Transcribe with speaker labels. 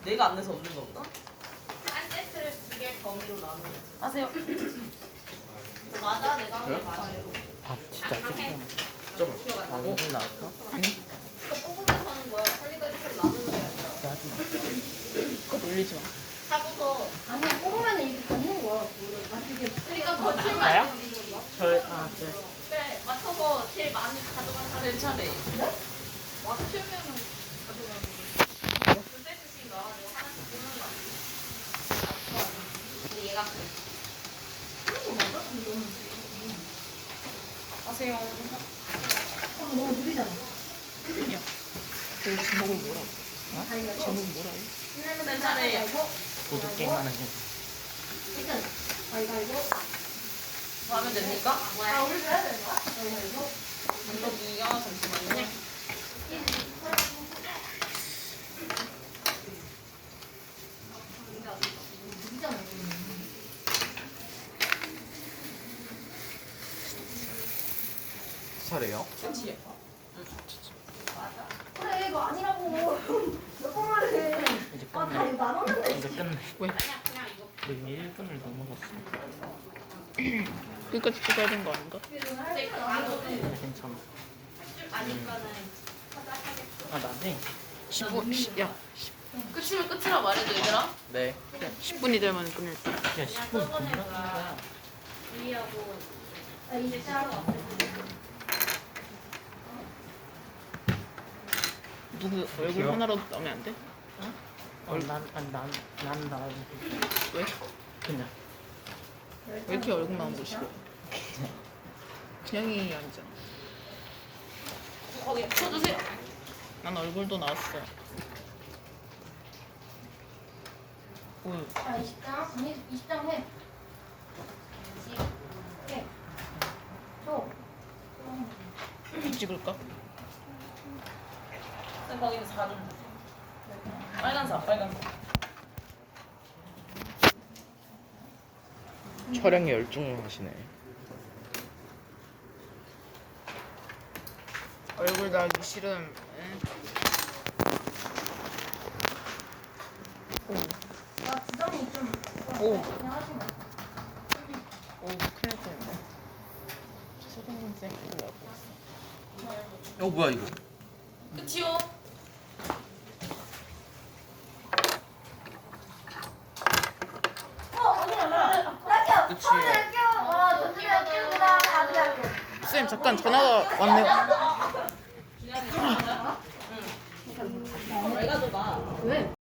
Speaker 1: 내가 안 내서 없는 거구나?
Speaker 2: 한 세트를 2개 범위로 나누는.
Speaker 1: 하세요.
Speaker 2: 맞아, 내가 한게 맞아요.
Speaker 3: 아 진짜
Speaker 2: 해.
Speaker 1: 좀.
Speaker 3: 아 오늘 나왔어?
Speaker 2: 이거 뽑으면서 하는 거야. 살리까지 나누는 거야.
Speaker 1: 그거 돌리지 마.
Speaker 2: 하고서
Speaker 4: 아니야, 뽑으면 이렇게 걷는 거야.
Speaker 2: 그러니까 거칠만
Speaker 3: 나요?
Speaker 2: 는 거야.
Speaker 3: 네.
Speaker 2: 그래, 맞춰서 제일 많이 가져간 사람
Speaker 1: 내 차례.
Speaker 2: 맞추면은 가져가는 거야. 두 세트씩인가? 내가 하나씩 뽑는 거 아니야? 근데 얘가 그래.
Speaker 1: 하세요.
Speaker 4: 너무 느리잖아.
Speaker 1: 그 제목은 뭐라고? 제목은 뭐라고? 내 차례.
Speaker 3: 보드 게임 하는 게.
Speaker 4: 일단, 가위바위보.
Speaker 1: 뭐 하면 됩니까?
Speaker 4: 아, 우리 해야 되는 거야? 가위바위보.
Speaker 1: 언덕이가 잠시만요.
Speaker 4: 느리잖아.
Speaker 3: 차례요?
Speaker 1: 그치?
Speaker 4: 그래, 이거 아니라고. 몇 번 말해.
Speaker 3: 이제
Speaker 4: 아,
Speaker 3: 끝내.
Speaker 4: 다 이거 나눴는데.
Speaker 3: 이제 끝내. 왜?
Speaker 2: 아니야, 그냥 이거.
Speaker 3: 우리 1분을 넘어갔어.
Speaker 1: 끝까지 찍어야 되는 거 아닌가?
Speaker 2: 근데 이거 나눠도
Speaker 3: 괜찮아.
Speaker 2: 할줄 아니까는 하자 하겠어.
Speaker 3: 아 나네.
Speaker 1: 10분. 야. 끝이면 끝이라 말해도 얘들아?
Speaker 3: 네.
Speaker 1: 10분이 되면 끝낼 때.
Speaker 3: 야
Speaker 2: 그냥
Speaker 3: 10분
Speaker 2: 써보낼
Speaker 3: 금방
Speaker 2: 거야.
Speaker 3: 거야.
Speaker 2: 주의하고
Speaker 4: 아,
Speaker 2: 이제
Speaker 4: 진짜.
Speaker 2: 시간 없을 때.
Speaker 1: 누구 얼굴
Speaker 3: 귀여워.
Speaker 1: 하나라도 나오면 안 돼?
Speaker 3: 난난
Speaker 1: 왜?
Speaker 3: 그냥.
Speaker 1: 왜 이렇게 얼굴 나오는 거 싫어? 그냥이 아니잖아.
Speaker 2: 거기
Speaker 1: 쳐주세요. 난 얼굴도 나왔어. 오,
Speaker 4: 자, 20장. 20장 해. 해. 줘.
Speaker 1: 찍을까?
Speaker 2: 쌤 거기는 4좀
Speaker 1: 빨간색, 빨간색.
Speaker 3: 촬영에 열중하시네.
Speaker 1: 얼굴 나기 싫음. 응?
Speaker 4: 나 지정이 좀.
Speaker 1: 오.
Speaker 4: 그냥 하지 마.
Speaker 1: 오, 큰일 났네. 소장님 쌤 그거 알고 있어.
Speaker 3: 뭐야 이거?
Speaker 1: 끝이요.
Speaker 4: 어디야, 나
Speaker 3: 끝이.
Speaker 4: 학교. 와, 전주대 학교구나. 아들 학교.
Speaker 1: 쌤 잠깐 전화가 왔네요.
Speaker 2: 왜 가져가?
Speaker 4: 왜?